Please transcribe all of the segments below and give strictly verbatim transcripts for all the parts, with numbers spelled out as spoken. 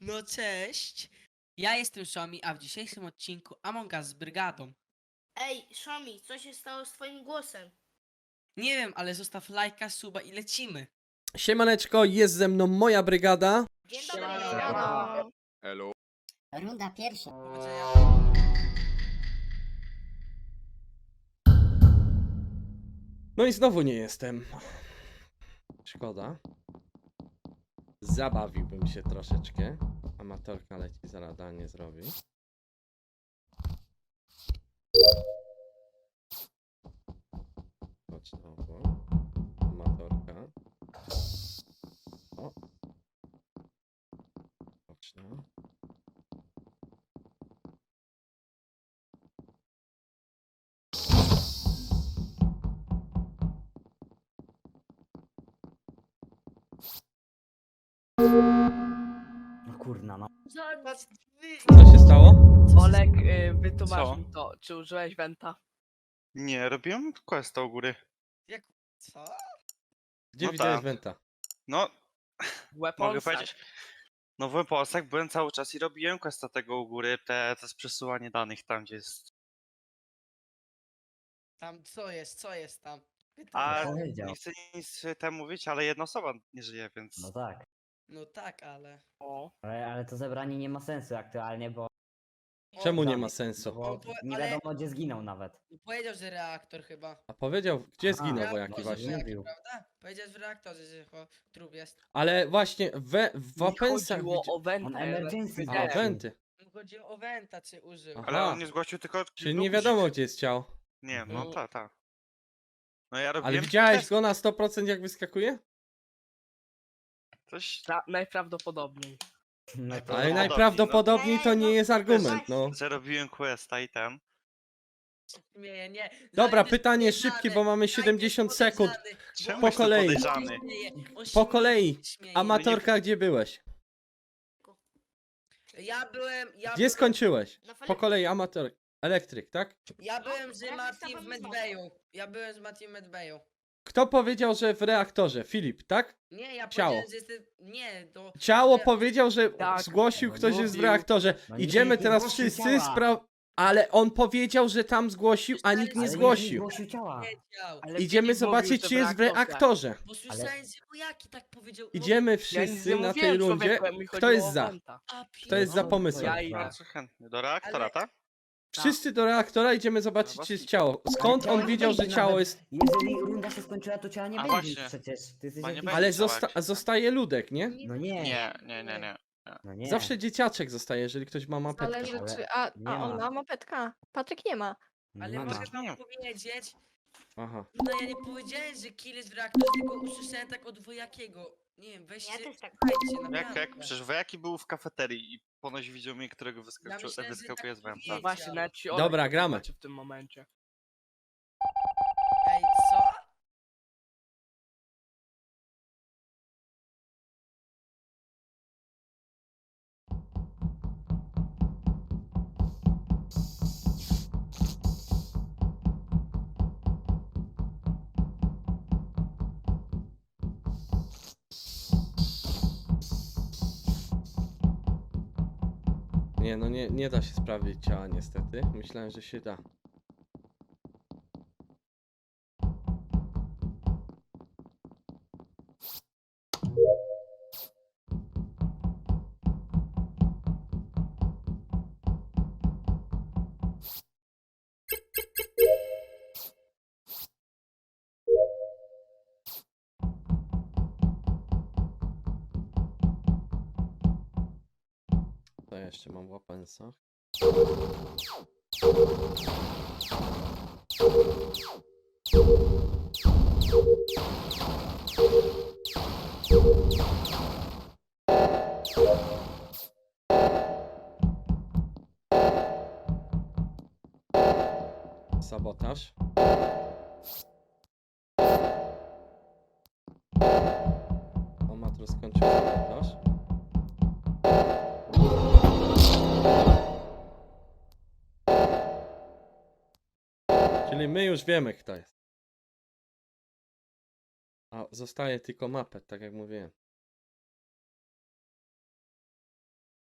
No cześć! Ja jestem Szomi, a w dzisiejszym odcinku Among Us z brygadą. Ej, Szomi, co się stało z twoim głosem? Nie wiem, ale zostaw lajka, suba i lecimy. Siemaneczko, jest ze mną moja brygada. Dzień dobry. Siemano. Hello. Runda pierwsza. Powodzenia. No i znowu nie jestem. Szkoda. Zabawiłbym się troszeczkę. Amatorka leci, zaraz danie zrobi. Chodź znowu. Amatorka. O. Chodź no. No kurna, no. Co się stało? Olek, y, wytłumacz Co? mi to, czy użyłeś Wenta? Nie, robiłem questa u góry. Jak... Co? Gdzie No widziałeś tak. Wenta? No, Weapons? mogę powiedzieć. No w Weaponsach byłem cały czas i robiłem questa tego u góry, te, to jest przesyłanie danych tam, gdzie jest. Tam co jest, co jest tam? Pytam. A powiedział. nie chcę nic temu mówić, ale jedna osoba nie żyje, więc. No tak. No tak, ale... O, Ale, ale to zebranie nie ma sensu aktualnie, bo, Czemu nie On- ma sensu? bo On po- nie ale- wiadomo gdzie zginął nawet. Powiedział, że reaktor chyba. A powiedział, gdzie Aha. zginął No, wojaki Reaktorze, właśnie? że Mówił. Prawda? Powiedział, że w reaktorze, że cho- trup jest. Ale właśnie we, w mi Weaponsach... chodziło widzi- o Wenta. On ja emergency tak A, zgłosił. Wenty. Mu chodziło o Wenta, czy użył. Aha. Ale on nie zgłosił tylko. Czyli tylko nie guzik. wiadomo gdzie jest ciało. Nie, no Mhm. ta, ta. No ja robiłem. Ale widziałeś quest- go na sto procent jak wyskakuje? Coś. Pra- najprawdopodobniej. No to Ale no. najprawdopodobniej to nie jest argument, no. Że robiłem questa i ten. Nie, nie. Dobra, Zajdziesz pytanie podejrzany, szybkie, bo mamy zajdziesz siedemdziesiąt sekund. podejrzany, bo Czemu on Po jestem kolei. podejrzany? śmieje, on Po śmieje, kolei. śmieje. Amatorka, gdzie byłeś? Ja byłem, ja Gdzie byłem, skończyłeś? Na Po fali- kolei amator. Elektryk, tak? ja byłem z Ja Mati też w tam Medbayu. Ja byłem z Mati w Medbayu. Kto powiedział, że w reaktorze? Filip, tak? Nie, ja Ciało. powiedziałem, że jestem, nie, to... Ciało Nie. powiedział, że Tak. zgłosił No ktoś jest w mówił. reaktorze. No nie, Idziemy nie teraz zgłosił wszyscy ciała. spra... Ale on powiedział, że tam zgłosił, a nikt nie Ale zgłosił. Nie zgłosił ciała. Wiedział, Ale Idziemy Filip zobaczyć, mówił, że czy jest w reaktorze. bo słyszałem, że wojaki tak powiedział. no, Idziemy Ja nic wszyscy nie na tej mówiłem, rundzie. człowieku, mi Kto chodziło jest o za? Wenta. a Kto jest za No, pomysłem? Ja i Bardzo chętny. Do reaktora, Ale- tak? Wszyscy do reaktora, idziemy zobaczyć, czy jest ciało. Skąd on wiedział, że ciało jest... Jeżeli runda się skończyła, to ciała nie A będzie właśnie. przecież. Ty jesteś Bo nie jakiś... będzie. Ale ciała, zosta jak się- zostaje Ludek, nie? No nie. Nie, nie, nie, nie. No nie. Zawsze dzieciaczek zostaje, jeżeli ktoś ma mapetkę. Zależy Ale czy... A, nie a on ma. ma mopetka. Patryk nie ma. Ale Nie ma. muszę Nie. wam powiedzieć, Aha. no ja nie powiedziałem, że kill jest w reaktorze, tylko usłyszałem tak od wojakiego. Nie wiem, weźcie, Ja też tak. słuchajcie, Jak, naprawdę. jak, przecież wojaki był w kafeterii i ponoć widział mnie, którego wyskoczył, myślałem, że wyskakuje tak z węta. powiedział. Właśnie, nawet ci Dobra, Olek gramy. wytłumaczy w tym momencie. Ej, co? Nie, no nie, nie da się sprawdzić ciała niestety. Myślałem, że się da. To ja jeszcze mam w Weaponsach. Sabotaż. O, Matro skończył sabotaż. Czyli my już wiemy, kto jest. A zostaje tylko mapet, tak jak mówiłem.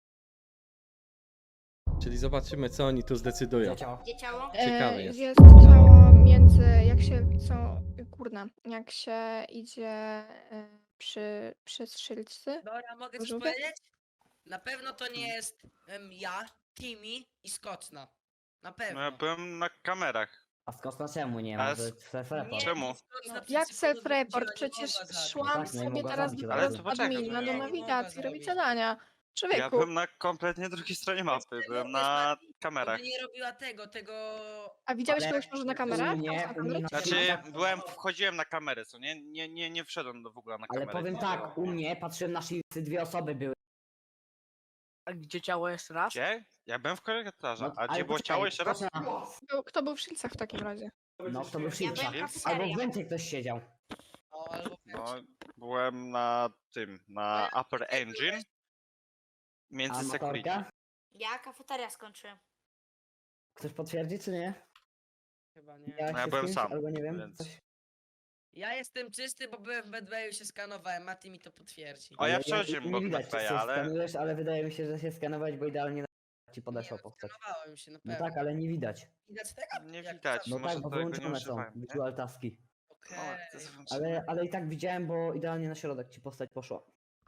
Czyli zobaczymy, co oni tu zdecydują. Gdzie ciało? Gdzie ciało? Ciekawe E, jest. Jest ciało między, jak się, co, kurna, jak się idzie e, przy, przy strzelcy. Dobra, mogę coś Żółte? powiedzieć? Na pewno to nie jest em, ja, Timmy i Skoczna. Na pewno. No ja byłem na kamerach. A skąd na czemu nie Ale ma? To s- jest self-report. Nie, Czemu? Skoczna przed Jak sekundą self-report? wróciła, nie Przecież mogła zabić. szłam Tak, nie sobie mogła teraz zabić do od Ale teraz to z poczekaj, admina bo do nie, nie mogła nawigacji, robić zabić. zadania. Ja Człowieku, byłem na kompletnie drugiej stronie mapy, byłem na kamerach. Gdyby nie robiła tego, tego... a widziałeś Ale kogoś może na u kamerach? mnie- Tam są u mnie kamery? na Znaczy, filmach- byłem, wchodziłem na kamerę, co nie? Nie, nie, nie wszedłem do w ogóle na Ale kamerę. powiem tak, u mnie patrzyłem na shieldsy, dwie osoby były. A gdzie ciało jeszcze raz? Gdzie? Ja byłem w korytarzu. No, A ale gdzie było poczekaj, ciało jeszcze raz? Skoczna- Kto- Kto był w Shieldsach w takim razie? No, kto był w Ja shieldsach? byłem Shields? Albo w kafeteria. Wencie ktoś siedział. O, albo No, byłem na tym, na Upper Engine. Między A security. motorka? Ja kafeteria skończyłem. Ktoś potwierdzi, czy nie? chyba nie. Miałeś No ja się z byłem kimś? sam, Albo nie wiem, więc- coś? Ja jestem czysty, bo byłem w Bedwayu, się skanowałem, Mati mi to potwierdzi. O, ja Ale przechodziłem nie obok widać, czy Medwaya, się ale- skanujesz, ale wydaje mi się, że się skanować, bo idealnie na ci podeszło Nie, postać. Skanowałem się, na No pewno. tak, ale nie widać. Widać tego? Nie Jak widać. to? No może tak, bo tego nie wyłączone są używałem, nie? visual taski. Okej. O, to jest włączone. Ale, ale i tak widziałem, bo idealnie na środek ci postać poszła.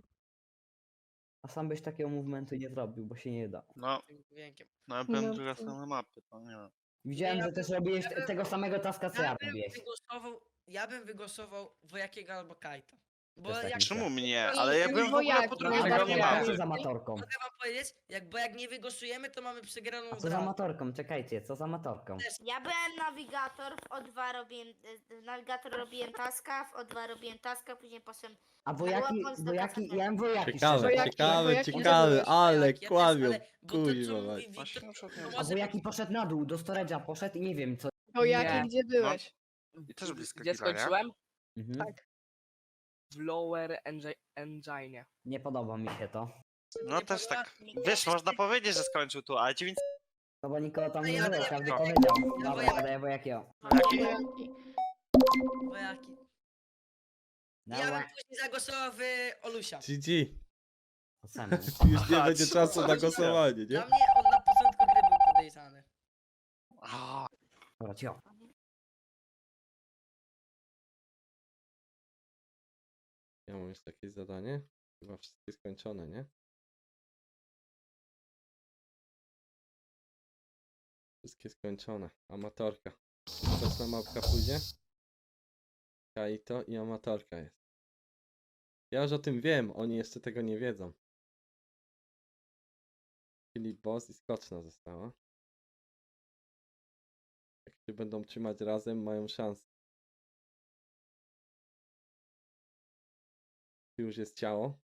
A sam byś takiego movementu nie zrobił, bo się nie da. No, Tym dźwiękiem. no ja byłem No druga to- strona mapy, to nie wiem. Widziałem, ja że bym- też robiłeś ja bym- tego samego taska, co ja Ja bym robiłeś. wygłosował, ja bym wygłosował Wojakiego albo Kajta. Bo Też tak jak myślę. Czemu mnie? I- Ale ja i byłem w ogóle wojaki, po no, drugiej ale stronie ja- mapy. Co z amatorką? mogę wam powiedzieć, jak, bo jak nie wygłosujemy, to mamy przegraną A co grę. z amatorką? Czekajcie, co z amatorką? Ja byłem nawigator, w O dwa robiłem, e, nawigator robiłem taska, w O dwa robiłem taska, później poszedłem A wojaki, była Polska wojaki, kasa. ja mam wojaki. Ciekawe, szczerze. Wojaki- ciekawe, wojaki ciekawe, byłeś, ale Ja też, kłamią. ale- bo to, co Kuźwa, mówi mać. Wiktor, Właśnie na przykład to nie A może wojaki poszedł na dół, do storage'a poszedł i nie wiem co. Bo jaki, Nie. gdzie byłeś? I też blisko Gdzie killa, nie? skończyłem? Mhm. Tak. W Lower Engi- Engine. Nie podoba mi się to. No nie też podoba? tak. Wiesz, można powiedzieć, że skończył tu, ale dziewięć... No bo nikogo tam A nie ja było, daję każdy wojaki. powiedział. Ja Dobra, wojaki. ja daję wojakiego. Wojaki. Wojaki. No, Ja bym Dobra, później zagłosował w Olusia. G G. oceny. Już nie Aha, będzie co? czasu na głosowanie, nie? Dla mnie on na początku gry był podejrzany. A, Dobra, cio. Ja mam jeszcze jakieś zadanie. Chyba wszystkie skończone, nie? Wszystkie skończone. Amatorka. Coś na mapka pójdzie? Kaito i amatorka jest. Ja już o tym wiem, oni jeszcze tego nie wiedzą. Czyli boss i skoczna została. Jak się będą trzymać razem, mają szansę. Tu już jest ciało.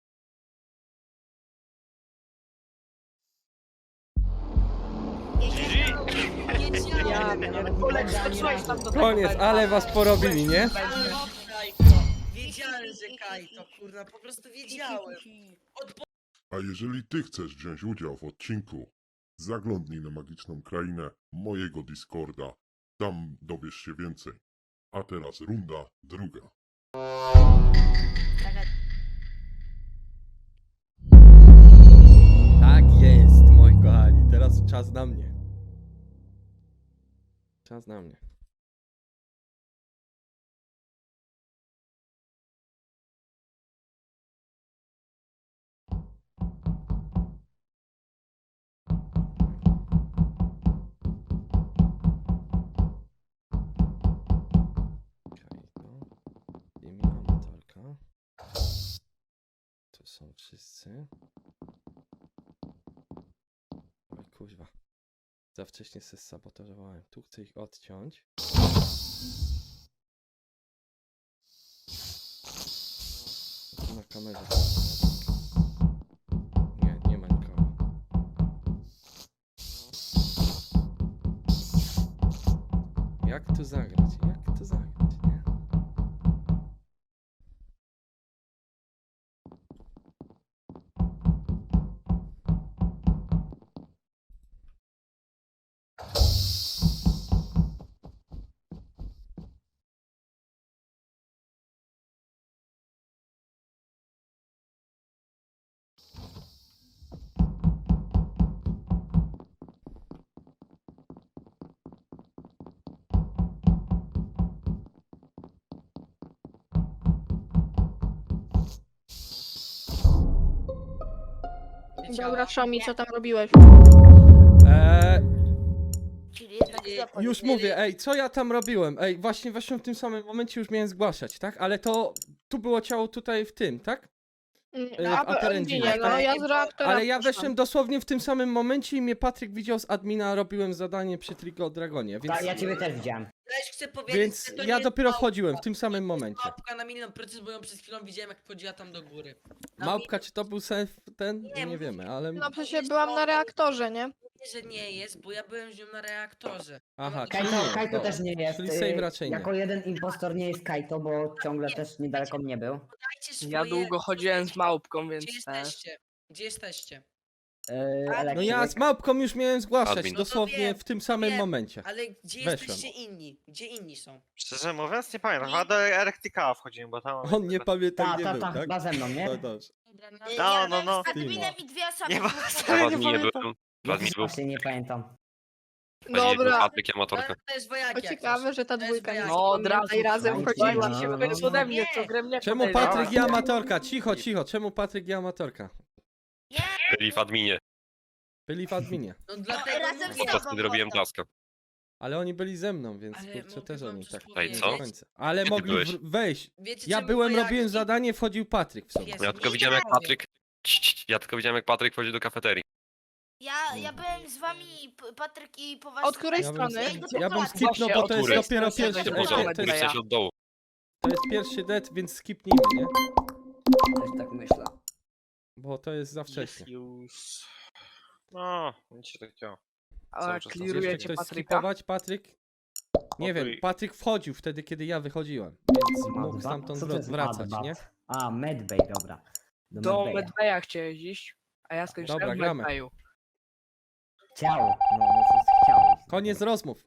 Ja Olek, skoczyłeś tam do tego Koniec, węgla. ale was porobili, nie? Ale Kajto. Wiedziałem, że Kajto, kurwa, po prostu wiedziałem. Od A jeżeli ty chcesz wziąć udział w odcinku, zaglądnij na magiczną krainę mojego Discorda. Tam dowiesz się więcej. A teraz runda druga. Tak jest, moi kochani. Teraz czas na mnie. Czas na mnie. Kaito. Imię amatorka. To są wszyscy. Oj kuźwa. Za wcześnie se sabotowałem. Tu chcę ich odciąć. Tu na kamerze. Nie, nie ma nikogo. Jak tu zagrać? Jak tu zagrać, nie? ciała. Dobra, Szomi, co tam robiłeś? Eee, Czyli jednak Ej, zapomnieli. już mówię, ej, co ja tam robiłem? Ej, właśnie, właśnie w tym samym momencie już miałem zgłaszać, tak? Ale to, tu było ciało tutaj w tym, tak? Mm, w a, Aterendzinie, nie, no tak? ja z reaktora Ale ja poszłam. weszłem dosłownie w tym samym momencie i mnie Patryk widział z admina, robiłem zadanie przy Trigo Dragonie, więc... Tak, ja ciebie też widziałem. Też chcę powiedzieć, Więc że to ja nie dopiero jest wchodziłem w małpka, tym samym to jest momencie. Małpka na milion procent, bo ją przed chwilą widziałem, jak wchodziła tam do góry. Na Małpka, czy to był self ten? Nie, Nie mówię- wiemy, ale... No przecież byłam na reaktorze, nie? milion, że nie jest, bo ja byłem z nią na reaktorze. Aha, Kajto- czyli Kajto, nie, Kajto dobra. też nie jest. Czyli y, save raczej nie. Jako jeden impostor nie jest Kajto, bo ciągle też niedaleko mnie był. Dajcie swoje... Ja długo chodziłem z małpką, więc Gdzie też. jesteście? Gdzie jesteście? Yy, No elektryk. ja z Małpką już miałem zgłaszać, Admin. No to dosłownie wiem, w tym samym wiem. momencie. Ale gdzie Weszłem. jesteście inni? Gdzie inni są? Szczerze mówiąc, nie pamiętam. Chyba do Electrica wchodziłem, bo tam... On nie pamięta, Ta, gdzie ta, był, ta, tak? chyba ze mną, nie? No dobrze. Dobra, Y, No, ja no, byłem no. z adminem i dwie osoby. Nie ma- dwóch- Ja w nie adminie pamiętam. byłem. W adminie był. Właśnie nie pamiętam. W adminie był Dobra. Patryk i amatorka. To, to jest wojak To ciekawe, że ta To jest dwójka nie wojak. No od razu. i razem no, chodziła. no, Słuchajcie się no, w końcu no. ode mnie, Nie. co grę mnie Czemu podejrzewa. Patryk i amatorka? Cicho, cicho, czemu Patryk i amatorka? Nie, Byli w adminie. Byli w adminie. No dlatego razem mówię. z Podczas tobą kiedy robiłem potem. taska. Ale oni byli ze mną, więc Ale kurczę mogę też wam oni coś tak Ej, do co? końca. Ale Gdzie ty mogli byłeś? w- wejść. Wiecie, Ja czemu byłem, wojaki- robiłem zadanie, wchodził Patryk w sobie. Pies. Ja tylko widziałem jak Patryk... Cii, cii, Ja tylko widziałem jak Patryk wchodził do kafeterii. Ja, ja byłem z wami, P- Patryk, i po was... Od której Ja bym, strony? ja bym Właśnie, skipnął, bo to jest od góry. dopiero Z pierwszy, której ej, strony? to, Który jest, w sensie od dołu. to jest pierwszy dead, więc skipnijmy, nie? Też tak myślę. Bo to jest za wcześnie. Już... No, nic się tak działo. A Cały czas Jeszcze klirujecie ktoś Patryka? skipować? Patryk? Nie wiem, Spokój. Patryk wchodził wtedy, kiedy ja wychodziłem, więc mógł Madbat? stamtąd Co to wro- jest wracać, Madbat? nie? A, Medbay, dobra. Do, Do Medbaya. Medbaya chciałeś iść, a ja skończyłem Dobra, w gramy. Medbayu. Chciał. No, no co chciał. iść. Koniec rozmów.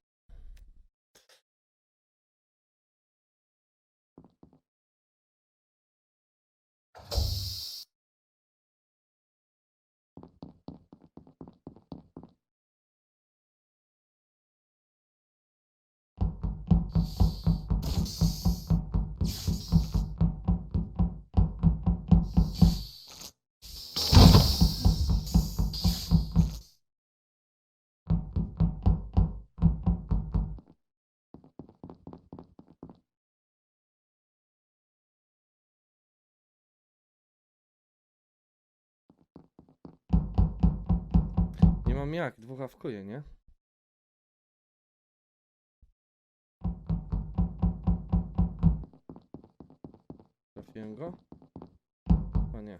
Nie mam jak, dwóch awkuje, nie? Trafiłem go? Chyba nie.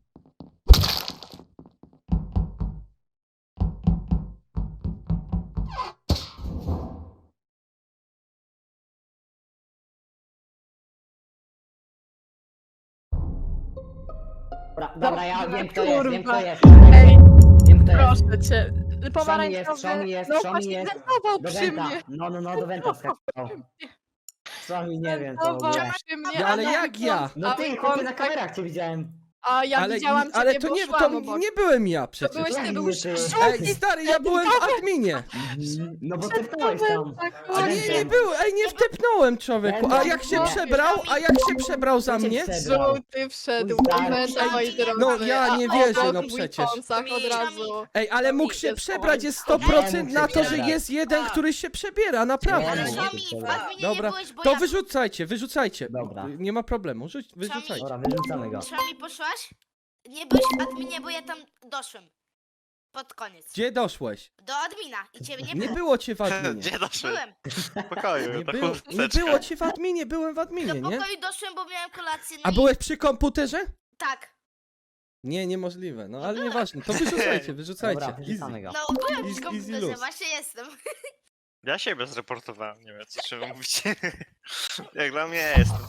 Dobra, dobra, ja wiem kto kurwa. jest, wiem kto jest. Ej, Wiem kto jest. proszę cię. jest, Pomarańczowy. Szomi jest, No Szomi właśnie jest. zdecydował Do przy Wenta. mnie. No, no, no, do Wenta skakał. Szomi nie wiem co w Zdecydował ogóle. przy mnie. Ja, ale a jak ja? No a ty, on chłopie, na tak- kamerach cię widziałem. A ja ale widziałam cię, ale to nie, to szłam obok. nie byłem ja To przecież. byłeś ty, Jak był nie ty? Ej, stary, ja byłem w adminie. Mhm. No bo ty wstałeś tam. A nie, nie było, ej, nie wtepnąłem człowieku. A jak się No. przebrał, a jak się przebrał za Kto cię mnie? przebrał? Żółty wszedł Mój do stary. Wenta, moi drodzy. No, ja nie a wierzę, obok no mój przecież. Pąsach od razu. Ej, ale mógł się przebrać, jest sto procent na to, że jest jeden, który się przebiera, Nie, naprawdę. Ale no, mówię. Szomi, to w dobra. adminie Dobra, nie byłeś, bo To ja... wyrzucajcie, wyrzucajcie. Dobra. Nie ma problemu, rzuć, wyrzucajcie. Dobra, wyrzucamy go. Szomi, poszłaś? Nie byłeś w adminie, bo ja tam doszłem. Pod koniec. Gdzie doszłeś? Do admina i ciebie nie Nie było. było cię w adminie. Gdzie doszły? Byłem. W pokoju, Nie to było, nie było cię w adminie, byłem w Do adminie, nie? pokoju doszłem, bo miałem kolację. No A i... byłeś przy komputerze? Tak. Nie, niemożliwe, no ale nieważne. To wyrzucajcie, wyrzucajcie. Dobra, Easy. wyrzucamy go. No, byłem Easy- przy easy komputerze, luz. właśnie jestem. Ja siebie zreportowałem, nie wiem co trzeba mówić. Jak dla mnie jestem.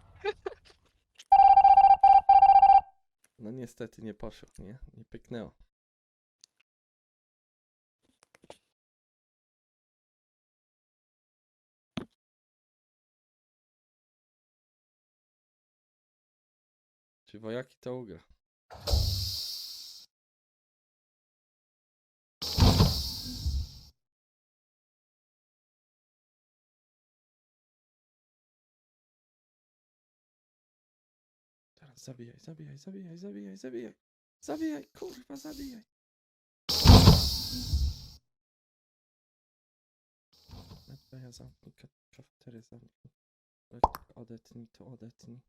No niestety nie poszło, nie? Nie pyknęło. Czy wojaki to ugra? Teraz zabijaj, zabijaj, zabijaj, zabijaj, zabijaj. Zabijaj, kurwa, zabijaj. Ja zamknij, ka- kafeterię zamknij. Elektryk, odetnij to, odetnij.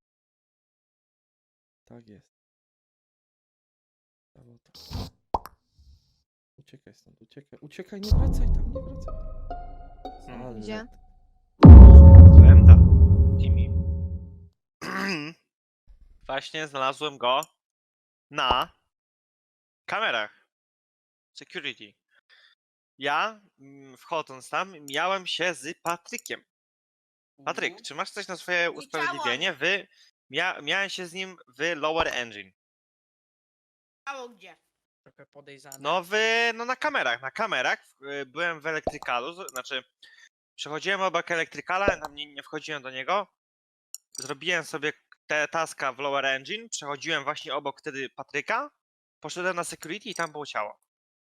Tak jest. Brawo, to. Uciekaj stąd, uciekaj, uciekaj, nie wracaj tam, nie wracaj tam. Ale- Gdzie? Fremda. Jimmy. Właśnie znalazłem go na kamerach. Security. Ja, mm, wchodząc tam, miałem się z Patrykiem. Patryk, Mhm. czy masz coś na swoje usprawiedliwienie? Wy, mia, miałem się z nim w Lower Engine. Mało gdzie. Trochę podejrzane. No w, no na kamerach, na kamerach. y, Byłem w elektrykalu, z- znaczy przechodziłem obok elektrykala, tam nie, nie wchodziłem do niego. Zrobiłem sobie te taska w Lower Engine, przechodziłem właśnie obok wtedy Patryka, poszedłem na security i tam było ciało.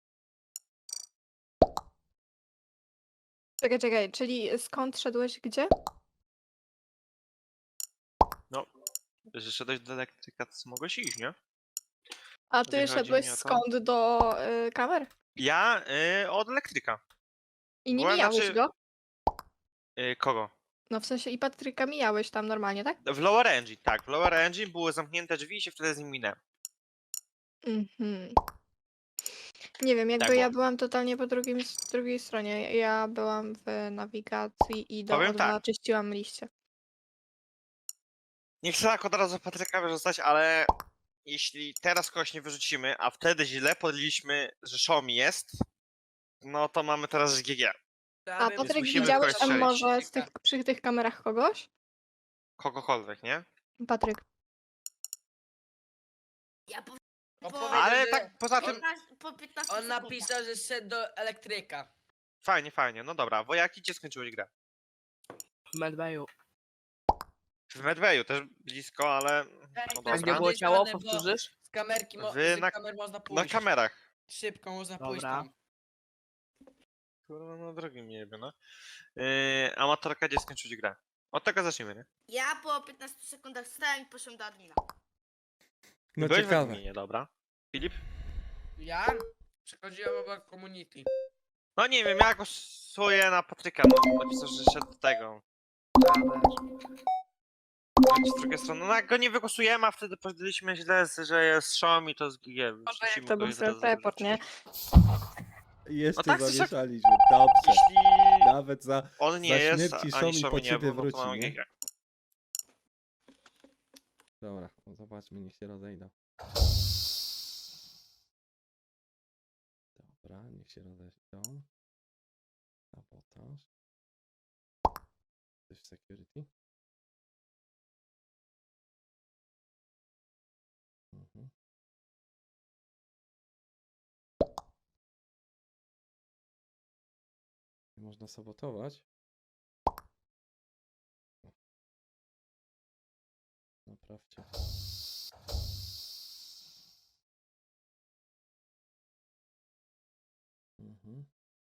Czekaj, czekaj, czyli skąd szedłeś gdzie? Że szedłeś do elektryka, to mogłeś iść, nie? A ty Jeżeli chodzi szedłeś mi o to- skąd do y, kamer? Ja y, od elektryka. I nie Była, mijałeś znaczy- go? Y, kogo? No w sensie i Patryka mijałeś tam normalnie, tak? W Lower Engine, tak. W Lower Engine były zamknięte drzwi i się wtedy z nim minęłem. Mhm. Nie wiem, jakby Tak ja było. byłam totalnie po drugim, s- drugiej stronie. Ja byłam w nawigacji i do Powiem O dwa tak. czyściłam liście. Nie chcę tak od razu Patryka wyrzucać, ale jeśli teraz kogoś nie wyrzucimy, a wtedy źle podliśmy, że Xiaomi jest, no to mamy teraz G G. A Patryk, musimy widziałeś kogoś tam strzelić. może z tych, przy tych kamerach kogoś? Kogokolwiek, nie? Patryk. Ja po, On po, powiedział, Ale że tak poza tym, piętnaście po piętnaście On sekundach. napisał, że szedł do elektryka. fajnie, fajnie, no dobra. Wojaki, gdzie skończyłeś grę? W Medbayu. W Medbayu też blisko, ale... Tak, No A gdzie dobra. było ciało? Podejrzane, bo- Powtórzysz? Z kamerki mo- Wy z na- kamer można Na pójść. kamerach. Szybko można pójść Dobra. tam. Kurwa, no drogim nie wiem, no. Yy, amatorka, gdzie skończyłeś grę? Od tego zacznijmy, nie? Ja po piętnastu sekundach stałem i poszłem do admina. No Byłeś w ciekawe. adminie, dobra. Filip? Ja przechodziłem obok community. No nie wiem, ja głosuję na Patryka, no napisał, że szedł do tego. Chodź z drugiej strony, no jak go nie wygłosujemy, a wtedy powiedzieliśmy źle, że jest Xiaomi, to z G G. Jak to był self-report, nie? Jeszcze No tak, to się- zamieszaliśmy, dobrze. Jeśli Nawet za... on nie za jest, śmierci ani Xiaomi Xiaomi po nie ciebie był, no wróci, to mamy nie? G G. Dobra, no zobaczmy, niech się rozejdą. Dobra, niech się rozejdą. Sabotaż. Coś w security? Mhm. Nie można sabotować? Naprawcie. Mhm.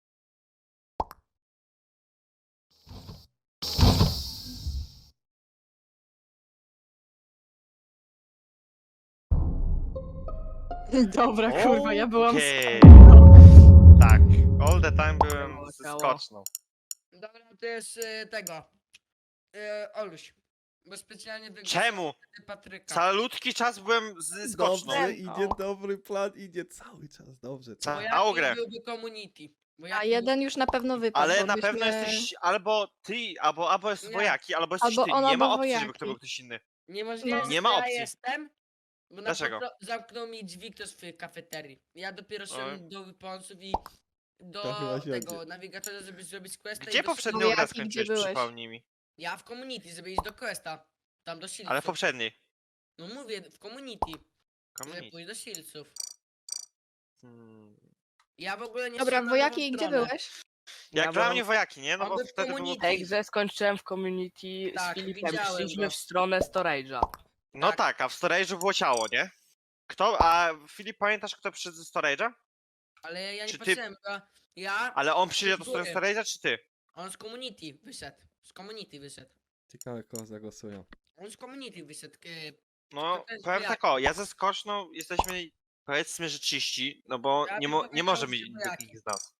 Dobra, kurwa, ja byłam Okej. z... Tak, all the time byłem Ciało, ze ciało. skoczną. Dobra, to jest y, tego. Y, Oluś. Bo specjalnie wygłosiłem Czemu? Patryka. Calutki czas byłem ze skoczną. Dobrze, No. idzie dobry plan, idzie cały czas, dobrze. Ca- Bo a jaki grę. byłby community. Bo A jaki jeden już na pewno wypadł. Ale bo na byśmy... pewno jesteś albo ty, albo, albo jest Nie. wojaki, albo jesteś Albo ty. on, Nie ma albo opcji, żeby wojaki. to był ktoś inny. Niemożliwe, No. że Nie ma ja opcji. jestem. Bo na Dlaczego? potro- zamknął mi drzwi ktoś w kafeterii. Ja dopiero szedłem do wyponsów i do To chyba się tego odnie- nawigatora, żeby zrobić questa. i Gdzie do poprzednią Wojaki, grę gdzie skończyłeś, byłeś? przypomnij mi. Ja w community, żeby iść do questa. Tam do Shieldsów. Ale w poprzedniej. No mówię, w community, żeby Community. pójść do Shieldsów. Hmm. Ja w ogóle nie Dobra, szedłem na wojaki, lewą gdzie stronę. byłeś? Jak Ja dla byłem- mnie wojaki, nie? No On bo był w wtedy było... community. Egze skończyłem w community Tak, z Filipem. widziałem Szliśmy go. w stronę storage'a. No Tak. tak, a w storage'u było ciało, nie? Kto, a Filip, pamiętasz kto przyszedł ze storage'a? Ale ja nie Czy ty- patrzyłem, bo ja... Ale on przyszedł do Byłem. storage'a, czy ty? On z community wyszedł. Z community wyszedł. Ciekawe, kogo zagłosują. On z community wyszedł. e, No, To też powiem wojaki. tak o, ja ze skoczną jesteśmy Powiedzmy, że czyści, no bo Ja nie, bym mo- nie powiedział, może że mieć wojaki. takich z nas.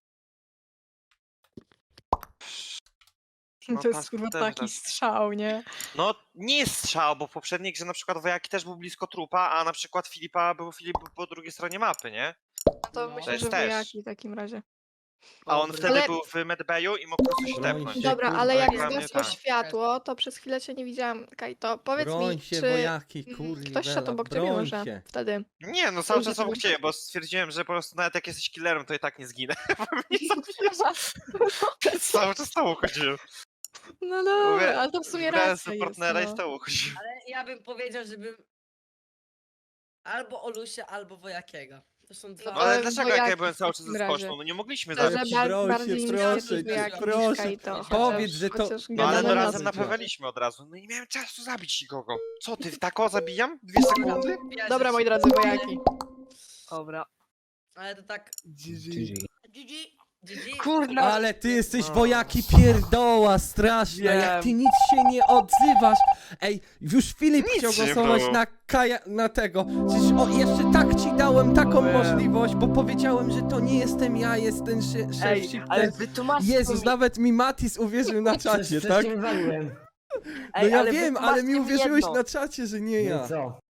To jest task kurwa też taki tak. strzał, nie? No nie jest strzał, bo w poprzedniej grze na przykład wojaki też był blisko trupa, a na przykład Filipa był Filip po drugiej stronie mapy, nie? No to No. myślę, jest że też. wojaki w takim razie. A on Dobry. wtedy Ale- był w medbayu i mógł po prostu się Broń tepnąć. się, Dobra, kurwa, ale jak dla mnie zgasło tak. światło, to przez chwilę cię nie widziałam. Kajto, powiedz Broń mi, się, czy wojaki, mm, kurwa. ktoś szedł obok ciebie broń może się. wtedy? Nie, no cały Dobrze, czas to obok będzie. ciebie, bo stwierdziłem, że po prostu nawet jak jesteś killerem, to i tak nie zginę. Cały czas z tobą chodziłem. No Mówię, dobra, ale to w sumie Brałem racja sobie jest, partnera i no. z tobą chodziłem. Ale ja bym powiedział, żebym... Albo Olusia, albo Wojakiego. To są dwa... No No ale ale dlaczego jak ja wojaki byłem w cały czas takim ze razie. skoczną? No nie mogliśmy Szczerze, zabić. bar- Proszę bardziej cię, mi się proszę wydaje, cię, jak proszę. niż Kajto, chociaż- Powiedz, że to- chociaż No gadamy ale no na razem to. naprawiliśmy od razu. No i nie miałem czasu zabić nikogo. Co ty, tako zabijam? Dwie sekundy? Ja Dobra, się- moi drodzy, wojaki. Dobra. Ale to tak... G G. G G. G G. Kurna. Ale ty jesteś No. wojaki pierdoła straszna, jak Wiem. ty nic się nie odzywasz. Ej, już Filip Nic chciał nie głosować było. na Kaja, na tego. Przecież o, jeszcze tak ci dałem taką Wiem. możliwość, bo powiedziałem, że to nie jestem ja, jest ten sze- szef Ej, ale shifter. wytłumaczcie Jezus, mi... nawet mi Matis uwierzył na czacie, Przecież tak? cię wywaliłem. No Ej, ja ale wiem, ale wytłumaczcie mi uwierzyłeś jedno. na czacie, że nie No ja. i co?